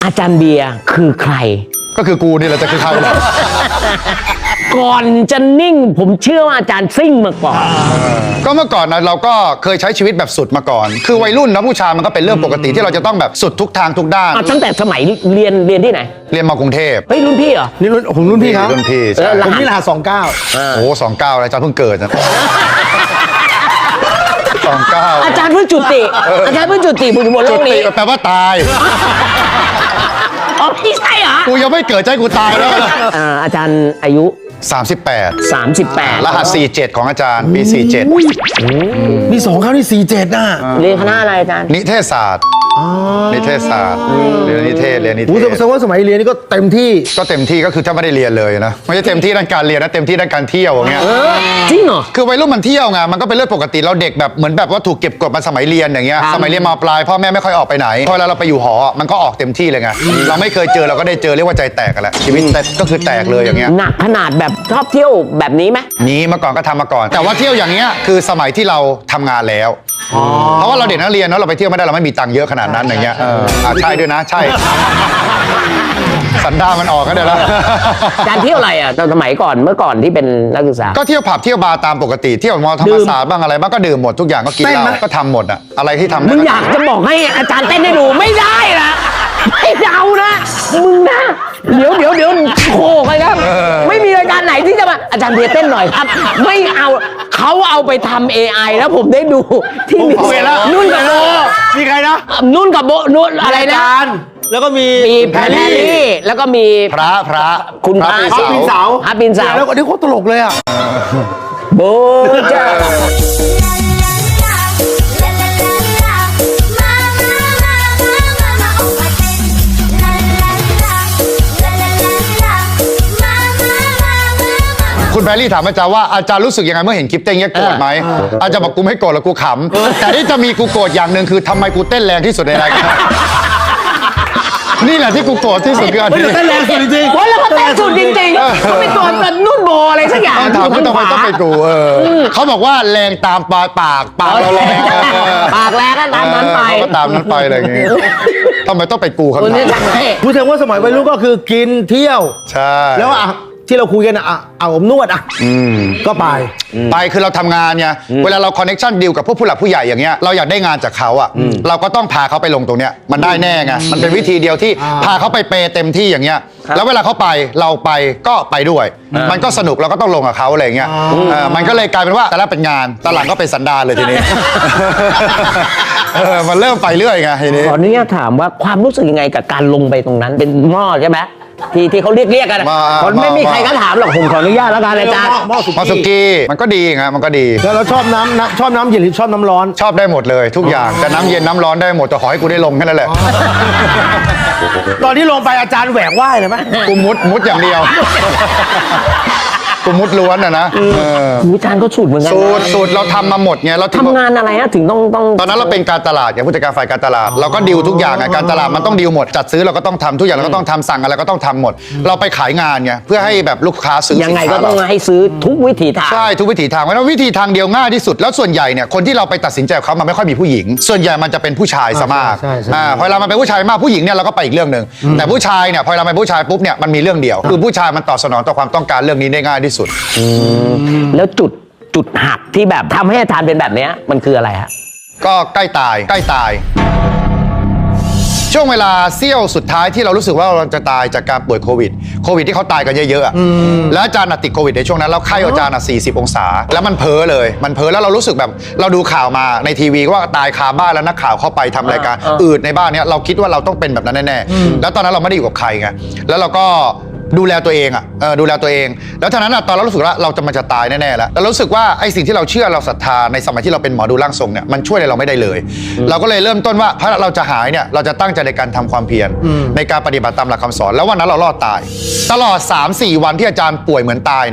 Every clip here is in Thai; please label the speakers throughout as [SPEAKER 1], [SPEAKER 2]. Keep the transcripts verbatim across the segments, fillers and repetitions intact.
[SPEAKER 1] อาจารย์เบียร์คือใคร
[SPEAKER 2] ก็คือกูนี่แหละจะคือใคร
[SPEAKER 1] ก่อนจะนิ่งผมเชื่อว่าอาจารย์ซิ่งมาก่อน
[SPEAKER 2] ก็เมื่อก่อนนะเราก็เคยใช้ชีวิตแบบสุดมาก่อนคือวัยรุ่นนะผู้ชายมันก็เป็นเรื่องปกติที่เราจะต้องแบบสุดทุกทางทุกด้าน
[SPEAKER 1] ตั้งแต่สมัยเรียนเรียนที่ไหน
[SPEAKER 2] เรียนมากรุงเทพ
[SPEAKER 1] เฮ้ยรุ่นพี่เหรอ
[SPEAKER 3] นี่รุ่นผมรุ่นพี่ครับ
[SPEAKER 2] รุ่นพี่
[SPEAKER 3] ผมนี่รหัสสองเก้า
[SPEAKER 2] โอ้สองเก้าอาจารย์เพิ่งเกิดนะสองเก้า
[SPEAKER 1] อาจารย์เพิ่งจุติอาจารย์เพิ่งจุติบนโลกนี้
[SPEAKER 2] แปลว่าตาย
[SPEAKER 1] อ๋อพี่ใช่เหรอ
[SPEAKER 2] กูยังไม่เกิดใจกูตายแล้ว
[SPEAKER 1] อาจารย์อายุ
[SPEAKER 2] สามสิบแปด
[SPEAKER 1] สามสิบแปด
[SPEAKER 2] รหัสสี่สิบเจ็ดของอาจารย์ปีสี่สิบเจ็ด
[SPEAKER 3] มีสองเขาที่สี่สิบเจ็ดน่ะ
[SPEAKER 1] เรียนคณะอะไรอาจารย์
[SPEAKER 2] นิเทศศาสตร์นิเทศศาสตร์เรียนนิเทศเรียนนิเทศ
[SPEAKER 3] แสดงว่าสมัยเรียนนี่ก็เต็มที่
[SPEAKER 2] ก็เต็มที่ก็คือถ้าไม่ได้เรียนเลยนะไม่ใช่เต็มที่ด้านการเรียนนะเต็มที่ด้านการเที่ยวอย่างเงี้ย
[SPEAKER 1] จริงเหรอ
[SPEAKER 2] คือวัยรุ่นมันเที่ยวไงมันก็เป็นเรื่องปกติเราเด็กแบบเหมือนแบบว่าถูกเก็บกดมาสมัยเรียนอย่างเงี้ยสมัยเรียนม.ปลายพ่อแม่ไม่ค่อยออกไปไหนพอเราไปอยู่หอมันก็ออกเต็มที่เลยไงเราไม่เคยเจอเราก็ได้เจอเรียกว่าใจแตกกันแหละชีวิตก็คือแตกเลยอย่างเงี้ย
[SPEAKER 1] หนักขนาดแบบชอบเที่ยวแบบนี้ไหม
[SPEAKER 2] นี้เมื่อก่อนก็ทำมาก่อนแต่ว่าเที่ยวอย่างเงี้ยคือสมัยที่เราทำงานแล้วเพราะว่าเราเด็กนักเรียนเนาะเราไปเที่ยวไม่ได้เราไม่มีตังค์เยอะขนาดนั้นอย่างเงี้ยอ่าใช่ด้วยนะใช่สันดานมันออกกันเดี๋ยวละ
[SPEAKER 1] การเที่ยวอะไรอ่ะตอนสมัยก่อนเมื่อก่อนที่เป็นนักศึกษา
[SPEAKER 2] ก็เที่ยวผับเที่ยวบาร์ตามปกติเที่ยวมอธรรมศาสตร์บ้างอะไรบ้างก็ดื่มหมดทุกอย่างก็กินเหล้าก็ทำหมดอะอะไรที่ทำ
[SPEAKER 1] มึงอยากจะบอกให้อาจารย์เต้นให้ดูไม่ได้นะไม่เดานะมึงนะเดี๋ยวเดี๋ยวเดี๋ยวโคกเลยครับไม่มีรายการไหนที่จะมาอาจารย์เบียร์เต้นหน่อยครับไม่เอาเขาเอาไปทำ เอ ไอ แล้วผมได้ดูที่มีนุ่นกับโบ
[SPEAKER 3] มีใครนะ
[SPEAKER 1] นุ่นกับโบนุ่นอะไรนะ
[SPEAKER 3] แล้วก็มี
[SPEAKER 1] มีแพรรี่แล้วก็มี
[SPEAKER 2] พระพระ
[SPEAKER 1] คุณพระ
[SPEAKER 3] ปีนเสา
[SPEAKER 1] พระปีนเสา
[SPEAKER 3] แล้วก็นี่โคตรตลกเลยอ่ะ
[SPEAKER 1] โบจ้า
[SPEAKER 2] คุณแพรรี่ถามอาจารย์ว่าอาจารย์รู้สึกยังไงเมื่อเห็นคลิปเต้นเงี้ยโกรธไหมอาจารย์บอกกูไม่โกรธหรอกกูขำแต่ที่จะมีกูโกรธอย่างหนึ่งคือทำไมกูเต้นแรงที่สุดในรายการนี่แหละที่กูโกรธที่สุดคืออันนี้
[SPEAKER 3] เต้นแรงสุดจริง
[SPEAKER 1] ๆว่าแล้วก็เต้นสุดจริงๆเขาเป็นตัวแบบนุ่นโบอะไรสักอย่าง
[SPEAKER 2] ถามว่าทำไมต้องเป็นกูเออเขาบอกว่าแรงตามปากปากปากเราแรง
[SPEAKER 1] ปากแรงก็ตามนั้นไป
[SPEAKER 2] ก็ตามนั้นไปอะไรอย่างเงี้ยทำไมต้องเป็นกูครับ
[SPEAKER 3] พูดถึงว่าสมัยวัยรุ่นก็คือกินเที่ยว
[SPEAKER 2] ใช่
[SPEAKER 3] แล้วอ่ะที่เราคุยกันอ่ะเอาผมนวดอ่ะก็ไป
[SPEAKER 2] ไปคือเราทำงานไงเวลาเราคอนเนคชั่นดีลกับพวกผู้หลักผู้ใหญ่อย่างเงี้ยเราอยากได้งานจากเขาอ่ะเราก็ต้องพาเขาไปลงตรงเนี้ยมันได้แน่ไงมันเป็นวิธีเดียวที่พาเขาไปเปเต็มที่อย่างเงี้ยแล้วเวลาเขาไปเราไปก็ไปด้วยมันก็สนุกเราก็ต้องลงกับเขาอะไรเงี้ยมันก็เลยกลายเป็นว่าแต่ละเป็นงานตอนหลังก็เป็นสันดานเลยทีนี้มันเริ่มไปเรื่อยไงทีนี้
[SPEAKER 1] ขออนุญาตถามว่าความรู้สึกยังไงกับการลงไปตรงนั้นเป็นหม้อใช่ไหมที่ที่เขาเรียกเรียกกันคนไม่มีใครก็ถามหรอกผมขออนุญาตแล้วกันอาจารย์
[SPEAKER 2] หม้อสุกี้มันก็ดีไงมันก็ดี
[SPEAKER 3] แล้วเราชอบน้ำชอบน้ำเย็นหรือชอบน้ำร้อน
[SPEAKER 2] ชอบได้หมดเลยทุกอย่างแต่น้ำเย็นน้ำร้อนได้หมดแต่ขอให้กูได้ลงแค่นั้นแหละ
[SPEAKER 3] ตอนที่ลงไปอาจารย์แหวกว่ายเลยไหม
[SPEAKER 2] กูมุดมุดอย่างเดียวกูมุดล้วนอะนะ
[SPEAKER 1] อาจารย์ก็สูตรเหมือนกัน
[SPEAKER 2] สูตรสูตรเราทำมาหมดไงเรา
[SPEAKER 1] ทำงานอะไรฮะถึงต้องต้อง
[SPEAKER 2] ตอนนั้นเราเป็นการตลาดอย่างผู้จัดการฝ่ายการตลาดเราก็ดีลทุกอย่างไงการตลาดมันต้องดีลหมดจัดซื้อเราก็ต้องทำทุกอย่างเราก็ต้องทำสั่งอะไรก็ต้องทำหมดเราไปขายงานไงเพื่อให้แบบลูกค้าซื้อ
[SPEAKER 1] ยังไงก็ต้องให้ซื้อทุกวิถีทาง
[SPEAKER 2] ใช่ทุกวิถีทางเพราะว่าวิธีทางเดียวง่ายที่สุดแล้วส่วนใหญ่เนี่ยคนที่เราไปตัดสินใจเขามันไม่ค่อยมีผู้หญิงส่วนใหญ่มันจะเป็นผู้ชายซะมากพอเรามาเป็นผู้ชายมากผู้หญิงเนี่ยเราก็ไปอีกเรื่องนึงแต่ผู้ชายเนี่ยพอเราเป็นผู้ชายปุ๊บเนี่ยมันมีเรื่องเดียวคือผู้ชายมันตอบสนองต่อความต้องการเรื่องนี้ได้ง่ายที่สุด
[SPEAKER 1] แล้วจุดจุดหักที่แบบทำให้อาจารย์เป็นแบบนี้มันคืออะไรฮะ
[SPEAKER 2] ก็ใกล้ตายใกล้ตายช่วงเวลาเสี้ยวสุดท้ายที่เรารู้สึกว่าเราจะตายจากการป่วยโควิดโควิดที่เขาตายกันเยอะๆแล้วอาจารย์ติดโควิดในช่วงนั้นแล้วไข้อาจารย์สี่สิบองศาแล้วมันเพ้อเลยมันเพ้อแล้วเรารู้สึกแบบเราดูข่าวมาในทีวีว่าตายคาบ้านแล้วนักข่าวเข้าไปทำรายการอืดในบ้านเนี้ยเราคิดว่าเราต้องเป็นแบบนั้นแน่ๆแล้วตอนนั้นเราไม่ได้อยู่กับใครไงแล้วเราก็ดูแลตัวเองอ่ะเออดูแลตัวเองแล้วท่านั้นอ่ะตอนเรารู้สึกว่าเราจะมันจะตายแน่ๆแล้วแล้วรู้สึกว่าไอ้สิ่งที่เราเชื่อเราศรัทธาในสมัยที่เราเป็นหมอดูร่างทรงเนี่ยมันช่วยอะไรเราไม่ได้เลยเราก็เลยเริ่มต้นว่าถ้าเราจะหายเนี่ยเราจะตั้งใจในการทำความเพียรในการปฏิบัติตามหลักคำสอนแล้ววันนั้นเรารอดตายตลอด สามสี่ วันที่อาจารย์ป่วยเหมือนตายเนี่ย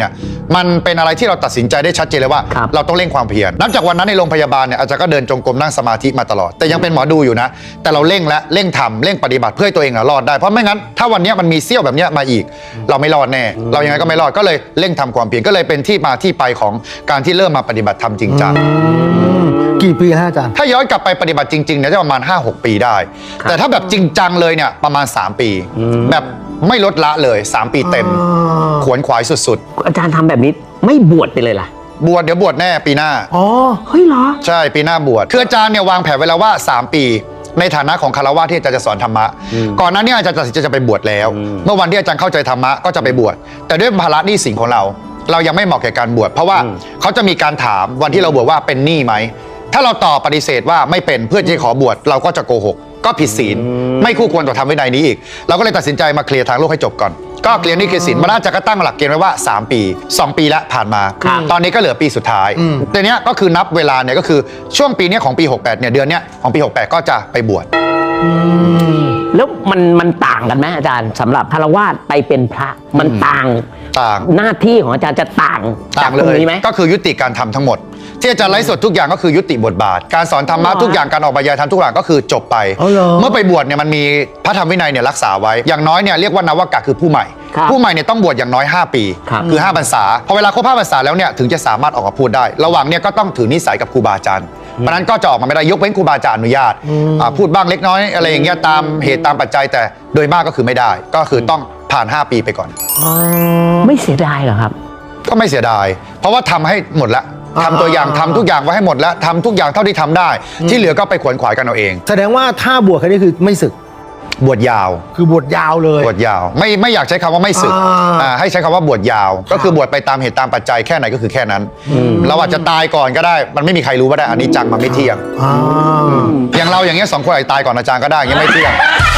[SPEAKER 2] มันเป็นอะไรที่เราตัดสินใจได้ชัดเจนเลยว่า
[SPEAKER 1] ครับ
[SPEAKER 2] เราต้องเร่งความเพียรนับจากวันนั้นในโรงพยาบาลเนี่ยอาจารย์ก็เดินจงกรมนั่งสมาธิมาตลอดแต่ยังเป็นหมอดูอยู่นะแต่เราเร่งและเร่งทำเร่งปฏิบัติเพื่อให้ตัวเองอะรอดได้เพราะไม่งั้นถ้าวันเนี้ยมันมีเสี้ยวแบบเนี้ยมาอีก เราไม่รอดแน่เรายังไงก็ไม่รอดก็เลยเร่งทำความเพียรก็เลยเป็นที่มาที่ไปของการที่เริ่มมาปฏิบัติธรรมจริงจัง
[SPEAKER 3] กี่ปีฮะอาจารย์
[SPEAKER 2] ถ้าย้อนกลับไปปฏิบัติจริงๆเนี่ยจะประมาณ ห้าหก ปีได้ แต่ถ้าแบบจริงจังเลยเนี่ยประมาณ สาม ปี แบบไม่ลดละเลย สาม ปีเต็ม ขวนขวายสุด
[SPEAKER 1] อาจารย์ทำแบบนี้ไม่บวชไปเลยล่ะ
[SPEAKER 2] ๆ บวชเดี๋ยวบวชแน่ปีหน้า
[SPEAKER 3] อ๋อ
[SPEAKER 1] เฮ้ยเหรอ
[SPEAKER 2] ใช่ปีหน้าบวชคืออาจารย์เนี่ยวางแผนไว้แล้วว่า สาม ปี ในฐานะของคารวะที่อาจารย์จะสอนธรรมะ ก่อนหน้านี้อาจารย์ตัดสินใจจะไปบวชแล้ว เมื่อวันที่อาจารย์เข้าใจธรรมะก็จะไปบวชแต่ด้วยภาระหนี้สินของเรา เรายังไม่เหมาะแก่การบวชเพราะว่าเขาจะมีการถามวันที่เราบวชว่าเป็นหนี้ไหมถ้าเราตอบปฏิเสธว่าไม่เป็นเพื่อที่จะขอบวชเราก็จะโกหกก็ผิดศีลไม่คู่ควรต่อธรรมวินัยนี้อีกเราก็เลยตัดสินใจมาเคลียร์ทางโลกให้จบก่อนก็เคลียร์หนี้เคลียร์สินมาน่าจะก็ตั้งหลักเกณฑ์ไว้ว่า สาม ปี สอง ปีละผ่านมา
[SPEAKER 1] ครับ
[SPEAKER 2] ตอนนี้ก็เหลือปีสุดท้ายแต่เนี้ยก็คือนับเวลาเนี่ยก็คือช่วงปีเนี้ยของปีหกแปดเนี่ยเดือนเนี้ยของปีหกแปดก็จะไปบวช
[SPEAKER 1] แล้วมันมันต่างกันไหมอาจารย์สำหรับคารวาสไปเป็นพระมันต่าง
[SPEAKER 2] ต่าง
[SPEAKER 1] หน้าที่ของอาจารย์จะต่าง
[SPEAKER 2] ต่า
[SPEAKER 1] จาก
[SPEAKER 2] งเล
[SPEAKER 1] ตรง
[SPEAKER 2] ย
[SPEAKER 1] นี้ไหม
[SPEAKER 2] ก็คือยุติการทำทั้งหมด ที่อาจารย์ไลฟ์สดทุกอย่างก็คือยุติบทบาท การสอนธรรมะ
[SPEAKER 1] อ๋อ
[SPEAKER 2] ทุกอย่างการออกบรรยายธรรมทุกอย่างก็คือจบไป
[SPEAKER 3] อ๋อเหรอ
[SPEAKER 2] เมื่อไปบวชเนี่ยมันมีพระธรรมวินัยเนี่ยรักษาไว้อย่างน้อยเนี่ยเรียกว่านวกะคือผู้ใหม่
[SPEAKER 1] ครับ
[SPEAKER 2] ผู้ใหม่เนี่ยต้องบวชอย่างน้อย ห้า ปี
[SPEAKER 1] ครับ
[SPEAKER 2] คือห้าพรรษาพอเวลาครบห้าพรรษาแล้วเนี่ยถึงจะสามารถออกมาพูดได้ ระหว่างเนี่ยก็ต้องถือนิสัยกับครูบาอาจารย์เพราะฉะนั้นก็จะออกมาไม่ได้ยกเว้นครูบาอาจารย์อนุญาตอ่าพูดบ้างเล็กน้อยอะไรอย่างเงี้ยตามเหตุตามปัจจัยแต่โดยมากก็คือไม่ได้ ก็คือต้องผ่านห้าปีไปก่อน
[SPEAKER 1] ไม่เสียดายเหรอครับ
[SPEAKER 2] ก็ไม่เสียดาย เพราะว่าทำให้หมดแล้วทำตัวอย่างทำทุกอย่างไว้ให้หมดแล้วทำทุกอย่างเท่าที่ทำได้ ที่เหลือก็ไปขวนขวายกันเอาเอง
[SPEAKER 3] แสดงว่าถ้าบวชแค่นี้คือไม่ศึก
[SPEAKER 2] บวชยาว
[SPEAKER 3] คือบวชยาวเลย
[SPEAKER 2] บวชยาว ไม่ไม่อยากใช้คำว่าไม่สึก
[SPEAKER 3] อ่า
[SPEAKER 2] อ่าให้ใช้คำว่าบวชยาว ก็คือบวชไปตามเหตุตามปัจจัยแค่ไหนก็คือแค่นั้น เราอาจจะตายก่อนก็ได้ มันไม่มีใครรู้ว่าได้อันนี้จังมันไม่เที่ยง
[SPEAKER 3] อ่า
[SPEAKER 2] อย่างเราอย่างเงี้ยสองคนอาจจะตายก่อนอาจารย์ก็ได้อย่างเงี้ยไม่เที่ยง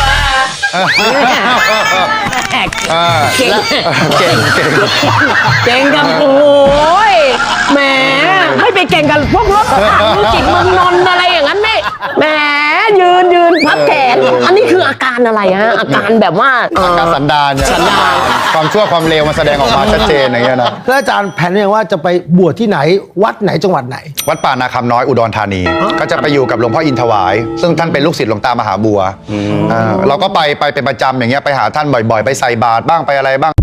[SPEAKER 2] อ่า
[SPEAKER 1] เก่ง
[SPEAKER 2] เก่งเก่ง
[SPEAKER 1] เก่งกับโอ้ยแหมไม่ไปเก่งกับพวกรถถังจิตเมืองนนท์อะไรอย่างนั้นไม่แหมยืนยืนพับแขนอันนี้คืออาการอะไรฮะอาการแบบว่าเอ่อ
[SPEAKER 2] การสันดานเนี่ย
[SPEAKER 1] สันดาน
[SPEAKER 2] ความชั่วความเลวมันแสดงออกมาชัดเจนอย่างเงี้ยนะ
[SPEAKER 3] แล้วอาจารย์แผนเนี่ยว่าจะไปบวชที่ไหนวัดไหนจังหวัดไหน
[SPEAKER 2] วัดป่านาคำน้อยอุดรธานี ก็จะไปอยู่กับหลวงพ่ออินทวาย ซึ่งท่านเป็นลูกศิษย์หลวงตามหาบัวอ่าเราก็ไปไปเป็นประจำอย่างเงี้ยไปหาท่านบ่อยๆ ไปใส่บาตรบ้างไปอะไรบ้าง